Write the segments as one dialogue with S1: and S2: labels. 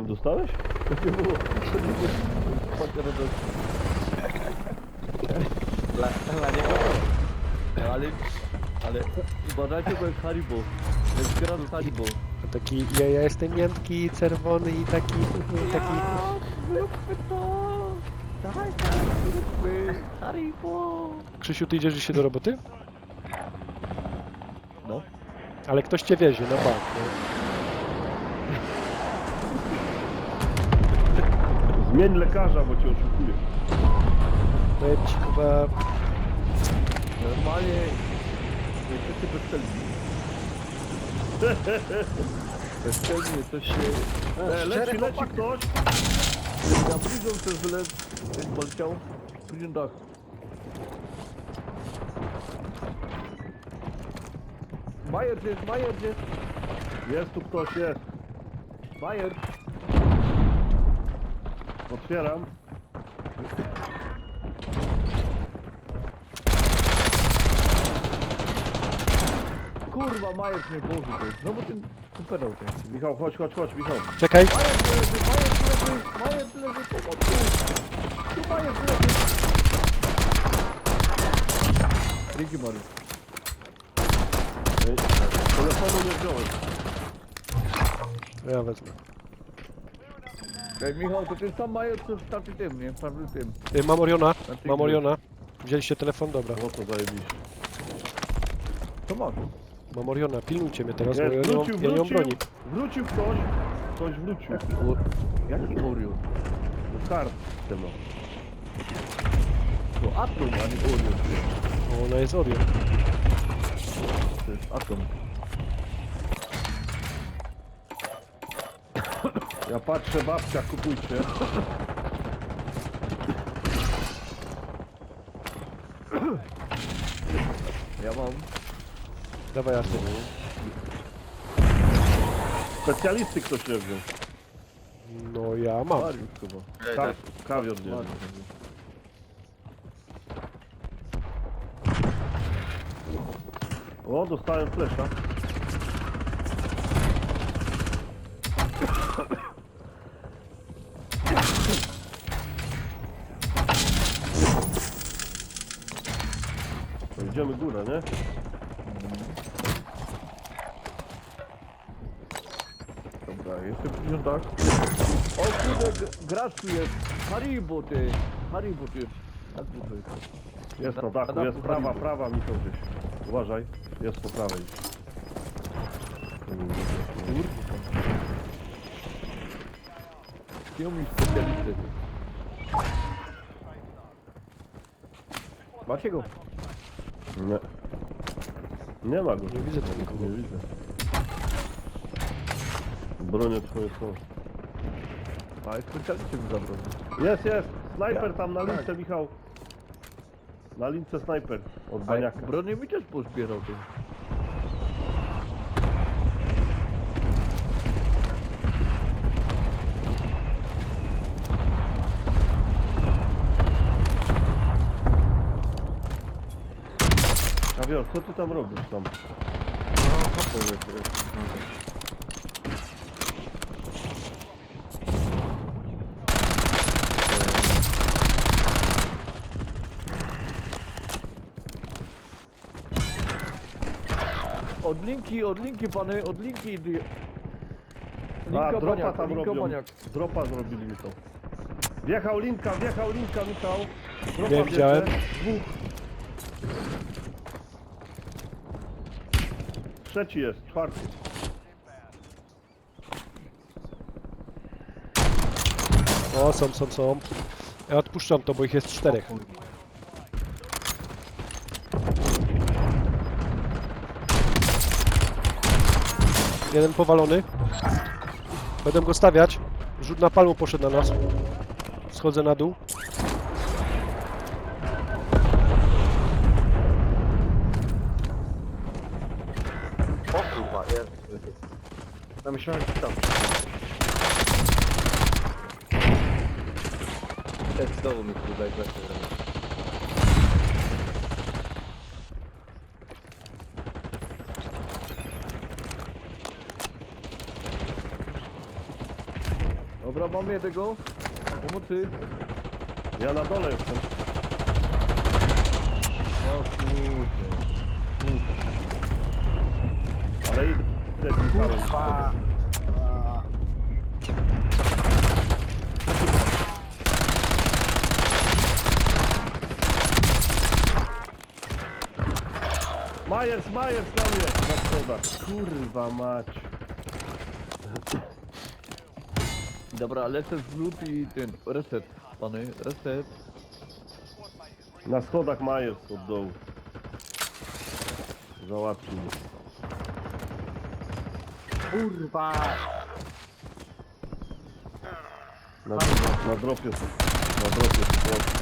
S1: Dostałeś? To nie było.
S2: Dla niego ale uważajcie, bo jest Haribo. Jest gra z Haribo.
S3: Taki, ja jestem miętki, czerwony i taki...
S2: Zróbmy to! Dawaj, zróbmy Haribo!
S3: Krzysiu, ty idziesz dzisiaj do roboty?
S2: No.
S3: Ale ktoś cię wiezie na bank, nie?
S1: Zmień lekarza, bo cię oszukuje.
S3: Powiem ci chyba...
S2: Normalnie jesteście bezcelni. Bezcelnie to się...
S1: Leci ktoś.
S2: Na prison też poleciał. Prison dach. Majer jest.
S1: Jest tu ktoś, jest.
S2: Majer.
S1: Otwieram.
S2: Kurwa, Majer mnie położył. Znowu ten pedał ten.
S1: Michał, chodź, Michał.
S3: Czekaj!
S2: Majer leży, pomocy! Tu Majer leży! Dzięki, Mariusz.
S1: Telefonu nie wziąłem.
S3: Ja wezmę.
S2: Ej, Michał, to ten sam Majer, co w tamtym tym, nie? W tamtym tym.
S3: Mam Oriona. Wzięliście telefon? Dobra.
S1: O, to zajebiście.
S2: To masz.
S3: Mam Oriona, pilnujcie mnie teraz, bo
S1: Jest,
S3: ja nie mam broni.
S1: Wrócił ktoś. Ktoś wrócił.
S2: Jaki Orion?
S1: Do kart tego.
S2: To Atom, a nie Orion.
S3: O, ona jest Orion.
S2: To jest Atom.
S1: Ja patrzę, babcia, kupujcie.
S2: Ja mam.
S3: Dawaj, Artur.
S1: Specjalisty ktoś nie wziął.
S3: No ja mam.
S2: Mariusz chyba.
S1: Kawior nie
S2: Mariusz.
S1: wziął. O, dostałem flesza. To idziemy górę, nie?
S2: Dobra, jestem w Prison dach. O kurde, gracz tu jest. Haribo ty. Haribo ty jest. Tak to jest.
S1: Jest na dachu, jest prawa, Michał gdzieś. Uważaj, jest po prawej.
S2: Zdjął mi specjalistę. Macie go?
S1: Nie. Nie ma go.
S3: Nie widzę tam nikogo.
S1: Nie widzę. Bronię twoje są.
S2: A jest specjalisty mi zabrał.
S1: Jest! Snajper tam na lince, Michał. Na lince snajper od
S2: A
S1: baniaka.
S2: bronię mi też pozbierał ty.
S1: Kawior, co ty tam robisz tam?
S2: Od linki pany, od linki.
S1: A,
S2: Linka
S1: dropa
S2: baniak,
S1: tam
S2: linka
S1: robią.
S2: baniak.
S1: Dropa zrobili mi to. Wjechał linka, Michał. Dropa
S3: Nie widziałem.
S1: bierze. Dwóch. Trzeci jest, czwarty.
S3: O, są. Ja odpuszczam to, bo ich jest 4. Jeden powalony. Będę go stawiać. Rzut na palmu poszedł na nas. Schodzę na dół.
S4: O kurwa, jest. Ja myślałem, że tam. Znowu mi tutaj goście zrobił.
S2: Dobra, mamy jednego. Pomocy.
S1: Ja na dole jestem.
S2: O kurde.
S1: Ale idę Michałem.
S4: Kurwa.
S1: Majers na mnie! Na schodach. Kurwa mać.
S2: Dobra, lecę zrzut i ten reset. Pany, reset.
S1: Na schodach Majers od dołu. Załatwił mnie.
S4: Kurwa.
S1: Na dropie są. Na dropie są.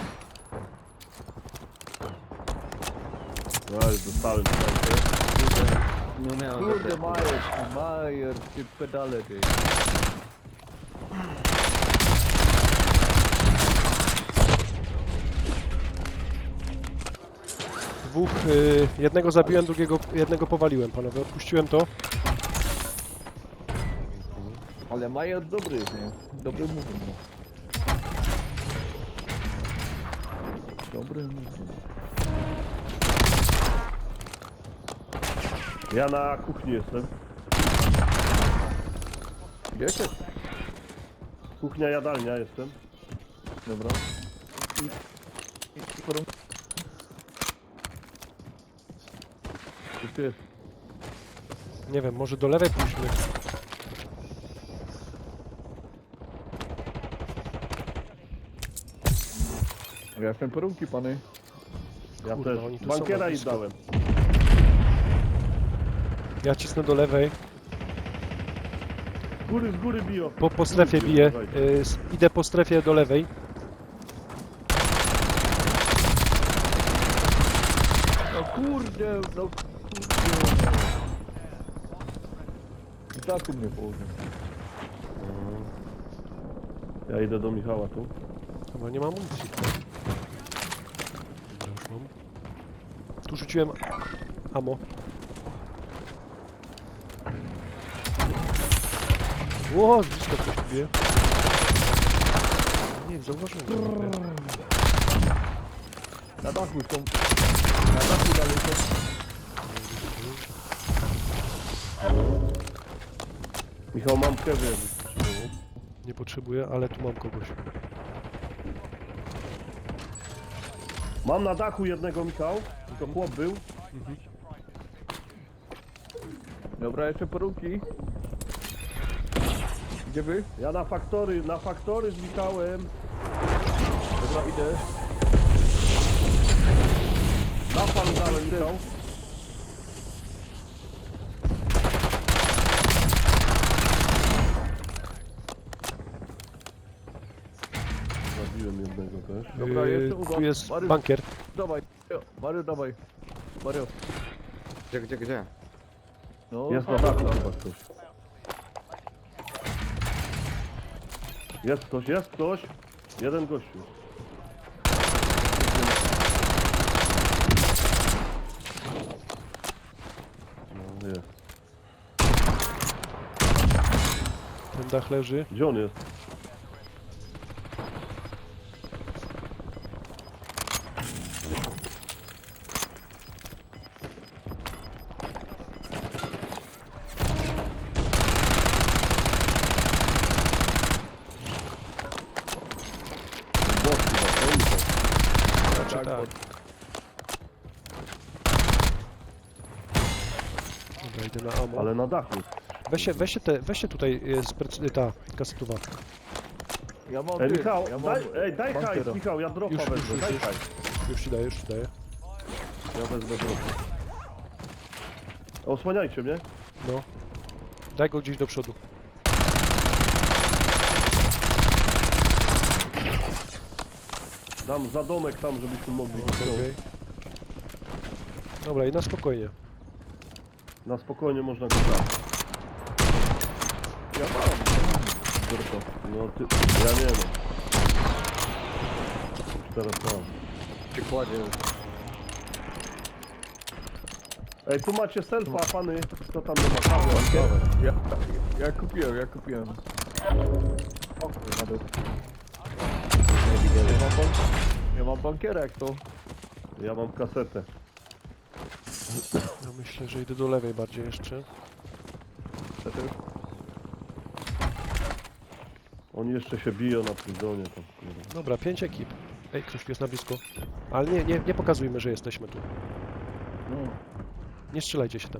S1: No już dostałem tutaj.
S4: Nie miałem
S2: Kurde,
S4: efektu.
S2: Majer, ty pedale ty.
S3: Dwóch, jednego zabiłem, jednego powaliłem, panowie. Odpuściłem to.
S2: Ale Majer dobry jest, nie? Dobry mówię, no. Dobry mówię.
S1: Ja na kuchni jestem.
S2: Gdzie jesteś?
S1: Kuchnia, jadalnia jestem.
S2: Dobra. Gdzie ty jest?
S3: Nie wiem, może do lewej pójdźmy.
S2: Ja jestem porunki, pany.
S1: Ja
S3: Kurwa,
S1: też.
S3: oni tu są
S1: Bankiera
S3: na
S1: i
S3: blisko.
S1: dałem.
S3: Ja cisnę do lewej.
S1: Z góry biją.
S3: Po strefie biję. Idę po strefie do lewej.
S2: No kurde, no kurde. I tak u mnie położył.
S1: Ja idę do Michała tu.
S3: Chyba nie mam amunicji. Dobra, już mam. Tu rzuciłem ammo. Ło, z blisko ktoś tu bije. Nie, zauważyłem. go.
S2: Na dachu są. Na dachu dalej są.
S1: Michał, mam kewy.
S3: Nie potrzebuję, ale tu mam kogoś.
S1: Mam na dachu jednego, Michał. To chłop był.
S2: Dobra, jeszcze porunki. Gdzie wy?
S1: Ja na faktory z Michałem.
S2: Dobra, idę.
S1: Na pan dałem, Michał. Zabiłem jednego też.
S2: Dobra, jeszcze u
S3: Tu
S2: was.
S3: jest
S2: Mariusz,
S3: bankier.
S2: dawaj. Mario, dawaj. Mario.
S4: Gdzie?
S2: No,
S1: Jest na dachu chyba ktoś. Jest ktoś. Jeden gościu. No jest.
S3: Ten dach leży.
S1: Gdzie on jest? Bot chyba, to oni są.
S3: Znaczy tak. Dobra, idę na ammo.
S1: Ale na dachu.
S3: Weźcie tutaj ta kasetowa.
S2: Ja mam
S1: Ej,
S2: ty,
S1: Michał,
S2: ja mam
S1: daj hajs,
S2: bankera.
S1: Michał, ja dropa wezmę, daj hajs.
S3: Już ci daję, już ci daję.
S1: Ja wezmę dropa. Osłaniajcie mnie.
S3: No. Daj go gdzieś do przodu.
S1: Dam za domek tam, żebyśmy mogli
S3: Okej. Dobra, i na spokojnie.
S1: Na spokojnie można go dać.
S2: Ja mam.
S1: Dropa. No ty, ja nie wiem. Teraz mam.
S2: Się kładzie.
S1: Ej, tu macie selfa, pany. Co tam nie ma? Kawę.
S2: Ja kupiłem.
S4: dół.
S2: Ja mam bankierek to.
S1: Ja mam kasetę.
S3: Ja myślę, że idę do lewej bardziej jeszcze.
S2: To też.
S1: Oni jeszcze się biją na prizonie tam. Kurwa.
S3: Dobra, 5 ekip. Ej, ktoś tu jest na blisko. Ale nie pokazujmy, że jesteśmy tu.
S2: No.
S3: Nie strzelajcie się tam.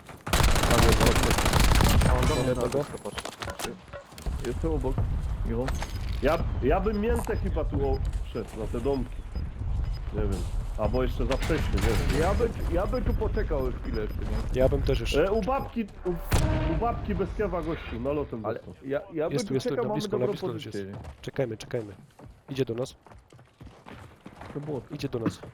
S4: Ja mam do mnie na
S3: Jednego.
S4: dół, patrz.
S2: Jestem obok. Michał.
S1: Ja bym miętę chyba tu wszedł, na te domki. Nie wiem. Albo jeszcze za wcześnie, nie wiem.
S2: Ja bym tu poczekał chwilę jeszcze, nie?
S3: Ja bym też jeszcze...
S1: U babki bez kewa gościu, nalotem
S2: Ale
S1: dostał.
S2: ja bym
S3: Jest tu,
S2: tu
S3: jest tu,
S2: czekał,
S3: na
S2: mamy
S3: blisko, na
S2: dobrą
S3: blisko też
S2: pozycję,
S3: jest.
S2: nie?
S3: Czekajmy. Idzie do nas.
S2: To było.
S3: Idzie do nas.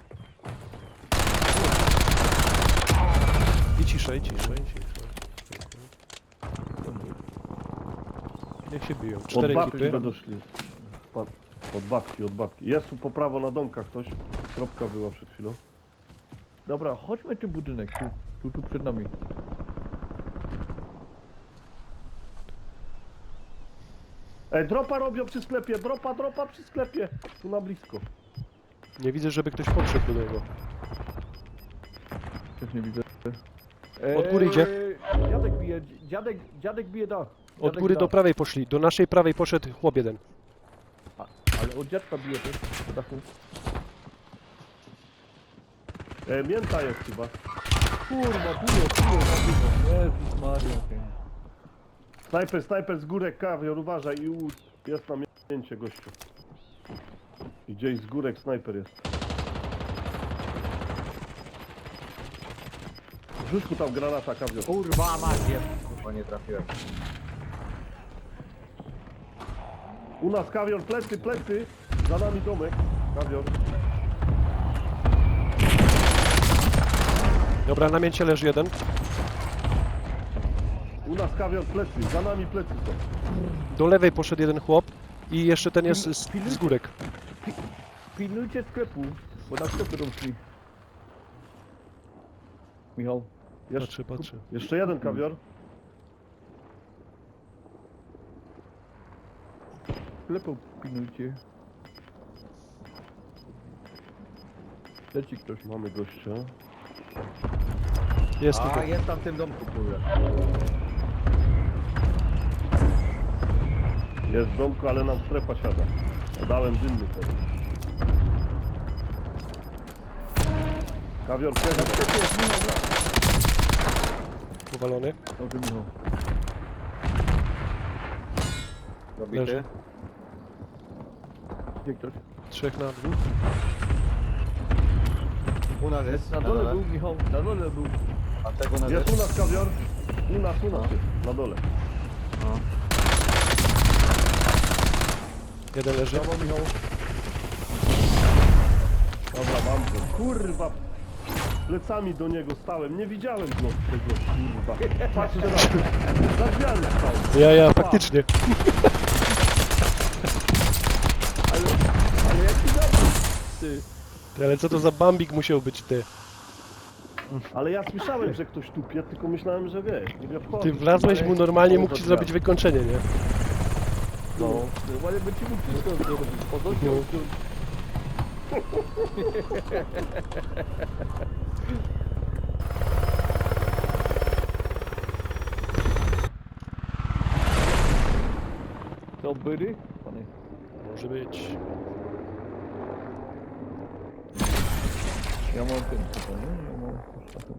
S3: I ciszej. Niech się biją.
S1: Od
S3: 4
S1: babki
S3: ekipy.
S1: będą szli. Od babki. Jest tu po prawo na domkach ktoś. Kropka była przed chwilą.
S2: Dobra, chodźmy ten budynek, tu przed nami.
S1: Ej, dropa robią przy sklepie, dropa przy sklepie. Tu na blisko.
S3: Nie widzę, żeby ktoś podszedł do niego.
S2: Też nie widzę.
S3: Od góry idzie.
S2: Dziadek bije, dziadek bije dach.
S3: Od
S2: Dziadek
S3: góry
S2: dach.
S3: do prawej poszli. Do naszej prawej poszedł chłop jeden.
S2: Ale od dziadka bije też, po dachu.
S1: Mięta jest chyba.
S2: Kurwa, tu Jezus Maria.
S1: Snajper z górek, kawior, uważaj i jest na mięcie gościu. I gdzieś z górek snajper jest. Rzuć mu tam granata, kawior.
S4: Kurwa macie! Kurwa nie trafiłem.
S1: U nas kawior, plecy, za nami domek, kawior.
S3: Dobra, na mięcie leży jeden.
S1: U nas kawior, plecy, za nami plecy są.
S3: Do lewej poszedł jeden chłop. I jeszcze ten jest z górek.
S2: Pilnujcie sklepu, bo na sklepy doszli. Michał.
S3: Patrzę.
S1: Jeszcze jeden kawior.
S2: Sklepu pilnujcie. Leci ktoś.
S1: Mamy gościa.
S3: Jest
S4: A,
S3: tutaj.
S4: jest tam w tym domku, kurwa.
S1: Jest w domku, ale nam strefa siada. Dałem dymny teraz. Kawior, kiedy?
S3: Powalony.
S2: Dobrze, Michał.
S4: Dobity.
S3: Leży.
S2: Gdzie ktoś?
S3: 3 na 2.
S4: U nas jest.
S2: Na dole był, Michał. Na dole był.
S4: A tego na
S1: Jest u nas kawior. U nas jest, na dole.
S4: No.
S3: Jeden leży.
S2: Brawo, Michał.
S1: Dobra, mam go. Kurwa. Plecami do niego stałem. Nie widziałem go tego, kurwa. Patrzcie na to. Za drzwiami stał.
S3: Ja, faktycznie.
S2: Ale jaki dobry. Ty.
S3: Ty, ale co to za bambik musiał być, ty?
S1: Ale ja słyszałem, że ktoś tupie, tylko myślałem, że wiesz. Nie wchodzę.
S3: Ty wlazłeś mu normalnie, mógł ci zrobić wykończenie, nie?
S1: No.
S2: Normalnie by ci mógł wszystko zrobić. Podosiał. To byry? Panie.
S3: Może być.
S2: Ja mam ten chyba, nie? Ja mam...